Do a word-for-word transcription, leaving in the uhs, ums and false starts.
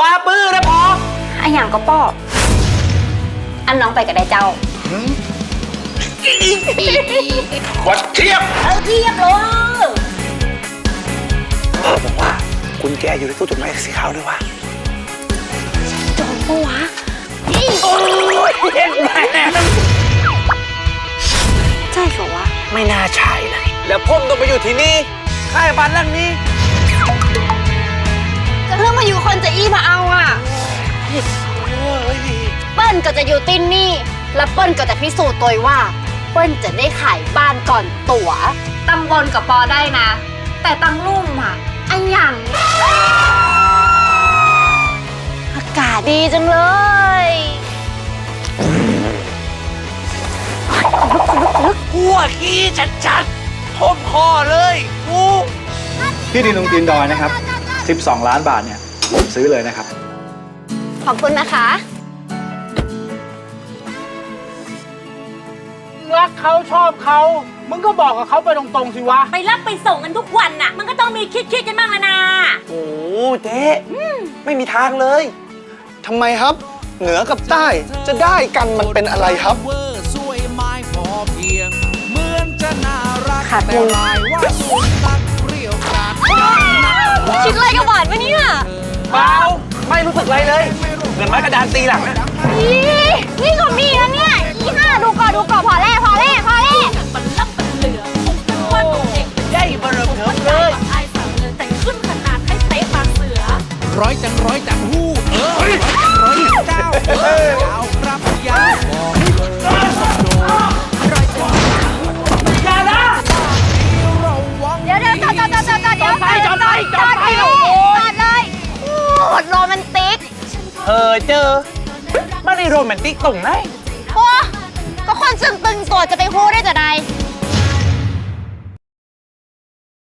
ว่าปื้อนะพออันอย่างก็ป้ออันน้องไปกับได้เจ้าวัดเทียบเออเทียบเลยบอกว่ากุญแจอยู่ในตู้จดหมายสีขาวด้วยวะจงปะวะโอ้ยเห็นไหมใช่เหรอวะไม่น่าใช่นะแล้วพ่มต้องไปอยู่ที่นี่ค่ายบ้านหลังนี้จะเรื่องมาอยู่คนจะอี้มาเอาอ่ะเปิ้ลก็จะอยู่ตินนี่แล้วเปิ้ลก็จะพิสูจน์ตัวว่าเปิ้ลจะได้ขายบ้านก่อนตั๋วตังบนกับปอได้นะแต่ตังลุ่มอ่ะอันอย่างอากาศดีจังเลยหัวขี้ชัดๆพ่มคอเลยกูที่ดินตรงตีนดอยนะครับสิบสองล้านบาทเนี่ยผมซื้อเลยนะครับขอบคุณนะคะรักเขาชอบเขามึงก็บอกกับเขาไปตรงๆสิวะไปรับไปส่งกันทุกวันน่ะมันก็ต้องมีคิดๆกันบ้างนะโอ้เจ๊ไม่มีทางเลยทำไมครับ เหนือกับใต้จะได้กันมันเป็นอะไรครับขาดทุนคิดอะไรกับหวานปะเนี่ยเปล่าไม่รู้สึกอะไรเลยเหมือนไม้กระดานตีหลังนะนี่นี่ก็มีนะเนี่ยอีห่าดูก่อนดูก่อนพอแล้วพอแล้วพอแล้วมันล่ำมันเหลือคงเป็นว่าตัวเองได้เบอร์เถิมเลยไอ้สั่งเงินแต่ขึ้นขนาดให้เตะปากเสือร้อยจังร้อยจังหู้เออร้อยจังร้อยจังเจ้าเออยาวครับยาวบอกเลยร้อยจังอย่านะเดี๋ยวเดี๋ยวจอดจอดจอดจอดเดี๋ยวไปจอดไปจอดไปจอดเลยโคตรโรแมนติกเออเจอไม่ได้โรแมนติกตรงไหนโอ้ก็คนซึ่งตึงตัวจะไปฮู้ได้แต่